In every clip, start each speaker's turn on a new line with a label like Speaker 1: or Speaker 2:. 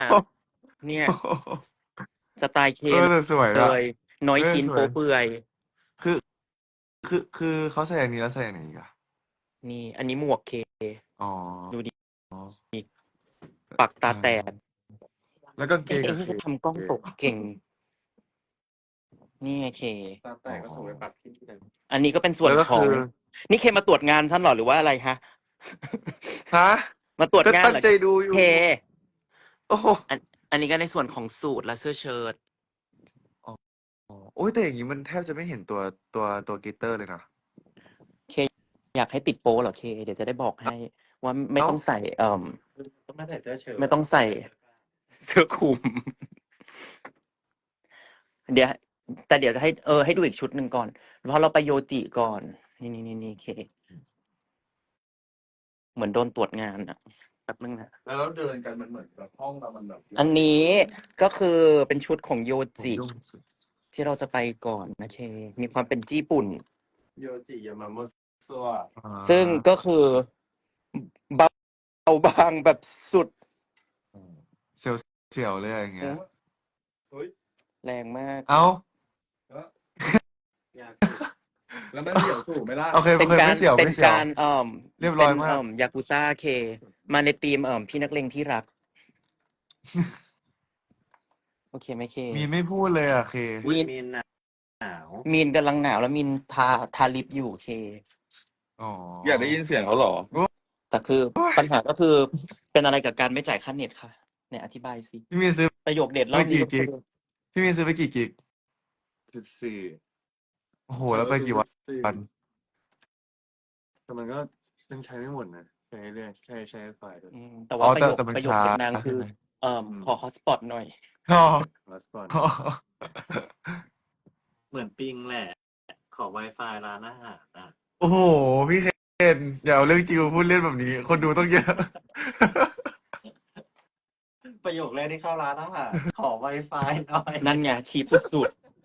Speaker 1: เนี่ยสไตล์เค
Speaker 2: แต่สวย
Speaker 1: เล
Speaker 2: อะ
Speaker 1: ย น้อยชิ้น
Speaker 2: สวย
Speaker 1: โป๊เปื่อย
Speaker 2: คือคือเขาใส่อันนี้แล้วใส่อันไหนอีกอะ
Speaker 1: นี่ อันนี้หมวกเค
Speaker 2: อ๋อ
Speaker 1: ดูดิปักตาแตก
Speaker 2: แล้วกางเกงอะเค
Speaker 1: เขาทำกล้องตกเก่ง นี่ไงเค
Speaker 3: ตาแตกก็ส่งไปปักที่ไหน
Speaker 1: อันนี้ก็เป็นส่ว
Speaker 2: แล้
Speaker 1: น
Speaker 2: วก็
Speaker 1: ขอ
Speaker 2: คื
Speaker 1: ง
Speaker 2: อ
Speaker 1: นี่เคมาตรวจงานฉันเหรอหรือว่าอะไรฮะ
Speaker 2: ฮะ
Speaker 1: มาตรวจ
Speaker 2: ก็
Speaker 1: งาน
Speaker 2: ตั้ง
Speaker 1: เหรอ
Speaker 2: ใจดูอยู่
Speaker 1: เค
Speaker 2: โอ้โห
Speaker 1: อันนี้ก็ในส่วนของสูทและเสื้อเชิ้ต
Speaker 2: โอ้ยแต่อย่างนี้มันแทบจะไม่เห็นตัวกลิตเตอร์เลยนะ
Speaker 1: เคอยากให้ติดโป๊เหรอเค เดี๋ยวจะได้บอกให้ว่าไม่
Speaker 2: เอ้า
Speaker 1: ต้องใส่
Speaker 3: ต้องไม่ใส่เสื้อเชิ้ต
Speaker 1: ไม่ต้องใส่เสื้อคลุม เดี๋ยวแต่เดี๋ยวจะให้ดูอีกชุดหนึ่งก่อน เพราะเราไปโยจิก่อน นี่เค เหมือนโดนตรวจงานอ่ะแป๊บนึงนะ
Speaker 3: แล้วเราเดินกันมันเหมือนแบบห้องเรามันแบบ
Speaker 1: อันนี้ก็คือเป็นชุดของโย
Speaker 2: ผม
Speaker 1: จิ
Speaker 2: ยุ่งสุด
Speaker 1: ที่เราจะไปก่อนนะเค มีความเป็นญี่ปุ่น
Speaker 3: โยจิยามาโมะซัว
Speaker 1: ซึ่งก็คือเบาบางแบบสุด
Speaker 2: เสียวเลยอะไรอย่างเงี้ย
Speaker 3: เฮ้ย
Speaker 1: แรงมาก
Speaker 2: เอ้า
Speaker 3: อยากแล้วมันเดี่ยวสูงไม่ได้
Speaker 2: โอเค
Speaker 1: เป็นการ
Speaker 2: ไม่เสียว
Speaker 1: เป็
Speaker 2: ไม่
Speaker 1: น
Speaker 2: เสียว
Speaker 1: การ
Speaker 2: เรียบร้อยมาก
Speaker 1: เป็นยากุซ่าเค มาในทีมพี่นักเลงที่รัก โอเคไหมเค
Speaker 2: มีนไม่พูดเลยอะเค
Speaker 3: อุ๊ยมีนหนาว
Speaker 1: มีนกำลังหนาวแล้วมีนทาลิปอยู่เค
Speaker 2: อ๋อ
Speaker 3: อยากได้ยินเสียงเขาเหรอ
Speaker 1: แต่คือปัญหาก็คือเป็นอะไรกับการไม่จ่ายค่าเน็ตค่ะเนี่ยอธิบายสิ
Speaker 2: พี่มีนซื้อ
Speaker 1: ประโยคเด็ดรอบนี้ก็
Speaker 2: ไม่กี่กิก พี่มีนซื้อไปกี่กิก
Speaker 3: 14
Speaker 2: โอ้โห แล้วไปกี่วัน
Speaker 3: แต่มันก็ยังใช้ไม่หมดนะใช้เรื่อยใช้ไฟด้วย
Speaker 1: แต่
Speaker 2: อ๋
Speaker 1: ว่า
Speaker 2: อ
Speaker 1: ประ
Speaker 2: แต่มัน
Speaker 1: โยค
Speaker 2: ช้า
Speaker 1: เด็ดนางคือ
Speaker 2: ใช่ไหม
Speaker 1: ขอฮอตสปอตหน่อย
Speaker 2: อ๋อ
Speaker 3: ฮอตสปอตเหมือนปิงแหละ ขอ Wi-Fi ร้านอาหารอ่ะ
Speaker 2: โอ้โห พี่เคนอย่าเอาเรื่องจริงมาพูดเล่นแบบนี้ คนดูต้องเยอะ
Speaker 3: ประโยคแรกที่เข้าร้านอาหาร ขอ Wi-Fi หน่อย
Speaker 1: นั่นไงชีพสุด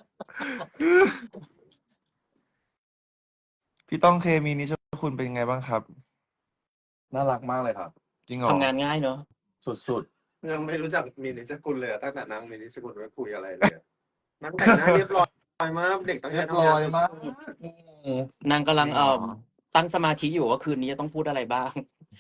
Speaker 2: พี่ต้องเคมีนิชคุณเป็นไงบ้างครับ
Speaker 3: น่ารักมากเลยครับ
Speaker 2: จริงเหร
Speaker 1: ๆ
Speaker 2: อ
Speaker 1: ทำงานง่ายเนอะ
Speaker 3: สุดๆ ยังไม่รู้จักมีนิสกุลเลยอะตั้งแต่นั่งมีนิสกุลไม่คุยอะไรเลยอะนั่งแต่งหน้าเรียบร้อยมาก เด็กตั้งใจทำงาน
Speaker 1: นางกำลัง
Speaker 2: จริงเหรอ
Speaker 1: ตั้งสมาธิอยู่ว่าคืนนี้จะต้องพูดอะไรบ้าง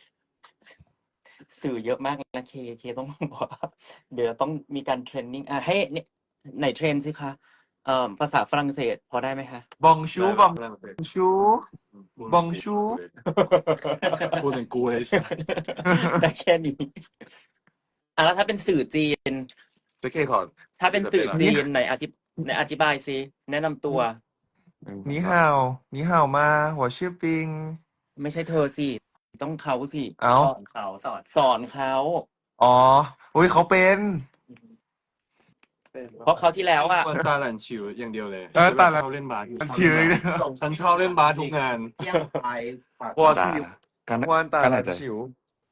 Speaker 1: สื่อเยอะมากนะเคต้องบอกว่าเดี๋ยวต้องมีการเทรนนิ่งให้เนี่ยไหนเทรนสิคะภาษาฝรั่งเศสพอได้ไหมคะ
Speaker 2: บองชูบองชู บองชู
Speaker 3: พูดเป็นกูเลยสัส
Speaker 1: แต่แค่นี้แล้วถ้าเป็นสื่อจีน
Speaker 3: จะเคขอ
Speaker 1: ถ้าเป็นสื่อจีนไหนอธิบายสิแนะนำตัว
Speaker 2: นี่ฮาวนี่ฮาวมาหัวชื่อปิง
Speaker 1: ไม่ใช่เธอสิต้องเขาสิ
Speaker 2: เอ้า
Speaker 3: สอนเขาสอน
Speaker 1: สอนเขา
Speaker 2: อ๋อ อุ้ยเขาเป็น
Speaker 1: เพราะเขาวที่แล้วอ่ะ
Speaker 3: วันตาหลันชิวอย่างเดียวเลย
Speaker 2: ตาหลั่น
Speaker 3: ชอบเล่นบาส
Speaker 2: ชิวเลยนะ
Speaker 3: ฉันชอบเล่นบาสทุกงาน
Speaker 4: เที่ยงไปฝาก
Speaker 2: วอสิว
Speaker 3: การ
Speaker 2: วานตา
Speaker 3: การ
Speaker 2: ลั
Speaker 3: อาจ
Speaker 2: น
Speaker 3: จะ
Speaker 2: ฉิว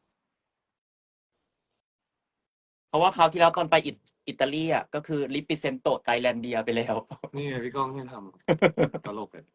Speaker 1: เพราะว่าคราวที่แล้วตอนไปอิตาลีอ่ะก็คือลิปปิเซนโตไทแลนเดียไปแล้ว
Speaker 3: นี่ไงพี่ก้องที่ทำตลกเลย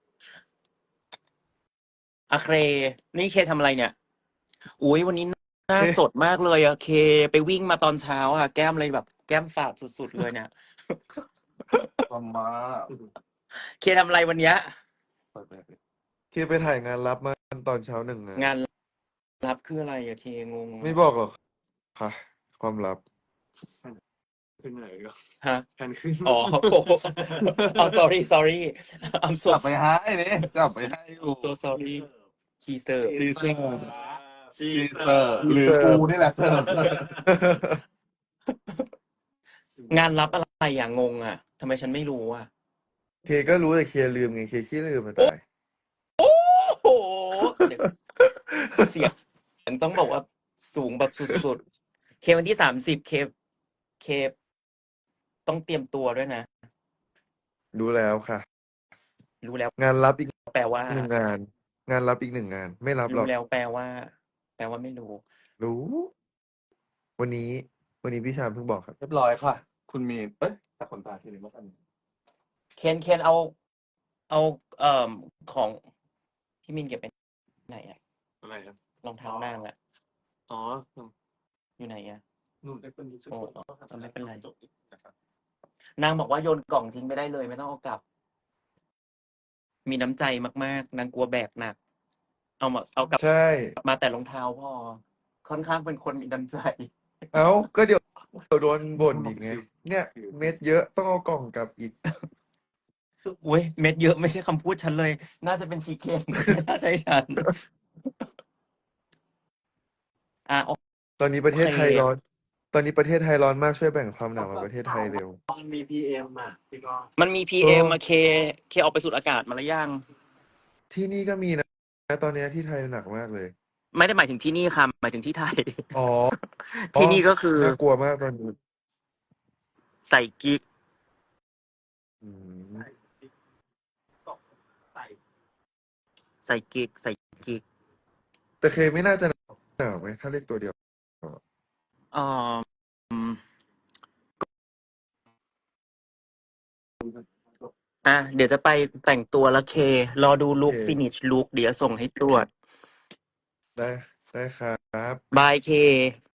Speaker 1: อะเคนี่เคทำอะไรเนี่ยอุ้ยวันนี้หน้า
Speaker 2: เค
Speaker 1: สดมากเลยอะเคไปวิ่งมาตอนเช้าอะแก้มเลยแบบแก้มฝาดสุดๆเลยเนี่ย
Speaker 3: สมา
Speaker 1: เคทำอะไรวันเนี้ย
Speaker 2: เคไปถ่ายงานรับมาตอนเช้าหนึ่ง
Speaker 1: งานรับคืออะไรอะเคงง
Speaker 2: ไม่บอกหรอกค่ะ ความลับ
Speaker 3: ขึ้นไหนก็
Speaker 1: ฮะ
Speaker 3: แทนขึ้น
Speaker 1: อ๋อ อ๋อ sorry I'm so
Speaker 3: กลับไปให้เนี่ยกลับไปให้อยู่
Speaker 1: so sorry ชีเซอร์
Speaker 3: ชีเซอร์ชีเซอร์หรือกูนี่แหละเสิร์ฟ
Speaker 1: งานรับอะไรอย่างงงอะทำไมฉันไม่รู้อะ
Speaker 2: เคก็รู้แต่เคลืมไงเคขี้ลืมมาตาย
Speaker 1: โอ้โหเสียงต้องบอกว่าสูงแบบสุดๆ เควันที่30เคต้องเตรียมตัวด้วยนะ
Speaker 2: รู้แล้วค่ะ
Speaker 1: รู้แล้ว
Speaker 2: งานรับอีก
Speaker 1: แปลว่า
Speaker 2: หนึ่งงาน งานรับอีกหนึ่งงาน ไม่รับหรอ
Speaker 1: รู้
Speaker 2: ก
Speaker 1: แล้วแปลว่าไม่รู้
Speaker 2: รู้ วันนี้พี่ชามเพิ่งบอกครับ
Speaker 3: เรียบร้อยค่ะ คุณมีนแต่คนตาทีนี้มากัน
Speaker 1: เคนเอาของพี่มินเก็บไปไหนอะ
Speaker 3: อะไรครับ
Speaker 1: รองเท้านางอะ
Speaker 3: อ๋อ
Speaker 1: อยู่ไหนอะ
Speaker 3: หนูได้คนนี้สัก
Speaker 1: โอ้
Speaker 3: คนก็ทำ
Speaker 1: ไม่เป็นไร
Speaker 3: จบนะครับ
Speaker 1: นางบอกว่าโยนกล่องทิ้งไม่ได้เลย ไม่ต้องเอากลับ มีน้ำใจมากๆ นางกลัวแบกหนัก เอากลับ
Speaker 2: ใช่
Speaker 1: มาแต่รองเท้าพอ ค่อนข้างเป็นคนมีน้ำใจ
Speaker 2: เอ้าก็เดี๋ยวโดนบ่นอีกไง เนี่ย เม็ดเยอะต้องเอากล่องกลับอีก
Speaker 1: อุ้ยเม็ดเยอะไม่ใช่คำพูดฉันเลย น่าจะเป็นชีเคน ไม่น่าใช่ฉัน โอ
Speaker 2: ตอนนี้ประเทศ
Speaker 1: เค
Speaker 2: ไทยร้อน ตอนนี้ประเทศไทยร้อนมากช่วยแบ่งความหนาวมาประเทศไทยเร็ว
Speaker 3: มันมี PM อ่ะพี่ก็
Speaker 1: มันมี PM มาเคออกไปสูดอากาศมาแล้วยัง
Speaker 2: ที่นี่ก็มีนะตอนเนี้ยที่ไทยหนักมากเลย
Speaker 1: ไม่ได้หมายถึงที่นี่ค่ะ หมายถึงที่ไทย
Speaker 2: อ๋อ
Speaker 1: ที่นี่ก็คือ
Speaker 2: น่ากลัวมากตอนนี้
Speaker 1: ใส่กิ๊ก
Speaker 2: อืม
Speaker 3: ตกใส่
Speaker 1: ใส่กิ๊ก ใส่กิ๊ก
Speaker 2: แต่เคไม่น่าจะหนาวไหมถ้าเรียกตัวเดียว
Speaker 1: เอ่ออืมเดี๋ยวจะไปแต่งตัวแล้วเค รอดูลุค
Speaker 2: โอเค
Speaker 1: finish look เดี๋ยวส่งให้ตรวจ
Speaker 2: ได้ครับ
Speaker 1: บายเค